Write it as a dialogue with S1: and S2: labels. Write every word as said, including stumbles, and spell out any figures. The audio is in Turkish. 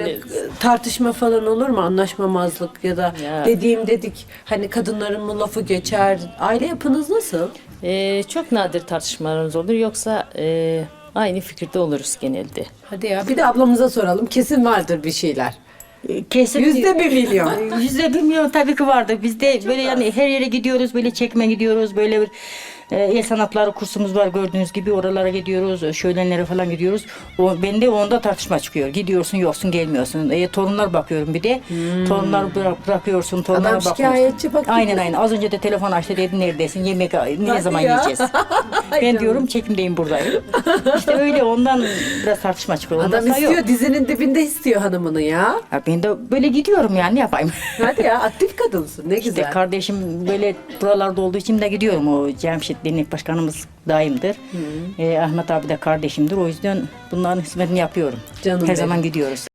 S1: Tartışma falan olur mu? Anlaşmamazlık ya da
S2: Ya.
S1: dediğim dedik hani kadınların mı lafı geçer? Aile yapınız nasıl?
S2: Ee, çok nadir tartışmalarımız olur. Yoksa e, aynı fikirde oluruz genelde.
S1: Hadi ya bir de ablamıza soralım. Kesin vardır bir şeyler.
S3: Kesin
S1: Yüzde bir milyon.
S3: Yüzde bir milyon tabii ki vardır. Biz de böyle yani her yere gidiyoruz, böyle çekme gidiyoruz, böyle bir e, el sanatları kursumuz var gördüğünüz gibi oralara gidiyoruz, şölenlere falan gidiyoruz. O bende onda tartışma çıkıyor. Gidiyorsun, yoksun, gelmiyorsun. E, torunlar bakıyorum bir de. Torunlar bırak, bırakıyorsun, torunlara
S1: Adam
S3: bakıyorsun.
S1: şikayetçi bak.
S3: Aynen aynen. Az önce de telefon açtı dedi neredesin? Yemek ne
S1: Hadi
S3: zaman
S1: ya.
S3: yiyeceğiz? Ben diyorum çekimdeyim buradayım. İşte öyle ondan biraz tartışma çıkıyor. Ondan
S1: Adam
S3: sonra
S1: istiyor
S3: yok.
S1: dizinin dibinde istiyor hanımını ya.
S3: Ya ben de böyle gidiyorum yani ne yapayım?
S1: Hadi ya aktif kadınsın ne
S3: İşte
S1: güzel.
S3: kardeşim böyle buralarda olduğu için de gidiyorum. O Cemşit Dernek Başkanımız daimdir. Ee, Ahmet abi de kardeşimdir. O yüzden bunların hizmetini yapıyorum.
S1: Canım
S3: Her
S1: benim.
S3: zaman gidiyoruz.